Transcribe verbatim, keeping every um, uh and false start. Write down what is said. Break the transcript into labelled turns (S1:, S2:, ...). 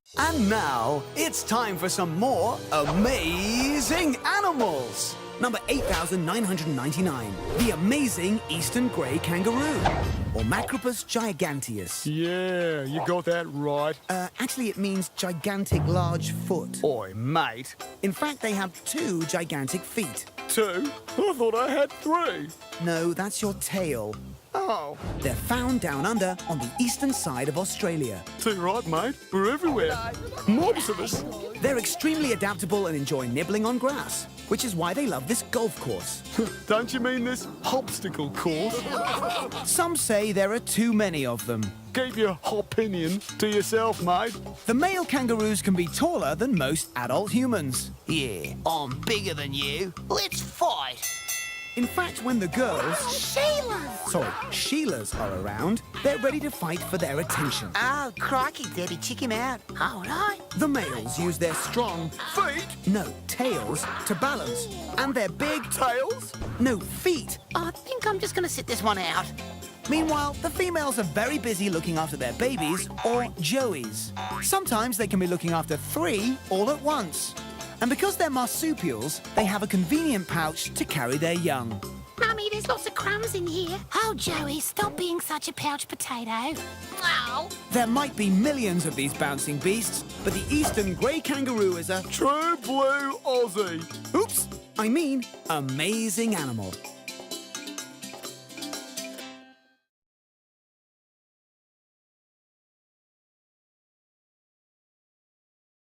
S1: And now, it's time for some more amazing animals. Number eight thousand nine hundred ninety-nine, the amazing eastern grey kangaroo, or Macropus giganteus.
S2: Yeah, you got that right.
S1: Uh, actually, it means gigantic large foot.
S2: Oi, mate.
S1: In fact, they have two gigantic feet.
S2: Two? I thought I had three.
S1: No, that's your tail.
S2: Oh,
S1: They're found down under on the eastern side of Australia.
S2: too right, mate. We're everywhere. Mobs of us.
S1: They're extremely adaptable and enjoy nibbling on grass, which is why they love this golf course.
S2: Don't you mean this obstacle course?
S1: Some say there are too many of them.
S2: Keep your opinion to yourself, mate.
S1: The male kangaroos can be taller than most adult humans.
S3: Yeah, I'm bigger than you. Let's fight.
S1: In fact, when the girls,
S3: Sheila!
S1: sorry, Sheilas are around, they're ready to fight for their attention.
S3: Oh, crikey, Debbie, check him out. All right.
S1: The males use their strong
S2: Feet?
S1: no, tails to balance, and their big
S2: Tails?
S1: no, feet.
S3: I think I'm just going to sit this one out.
S1: Meanwhile, the females are very busy looking after their babies, or joeys. Sometimes they can be looking after three all at once. And because they're marsupials, they have a convenient pouch to carry their young.
S4: Mummy, there's lots of crumbs in here. Oh, Joey, stop being such a pouch potato. Oh.
S1: There might be millions of these bouncing beasts, but the eastern grey kangaroo is a,
S2: True blue Aussie.
S1: oops, I mean, amazing animal.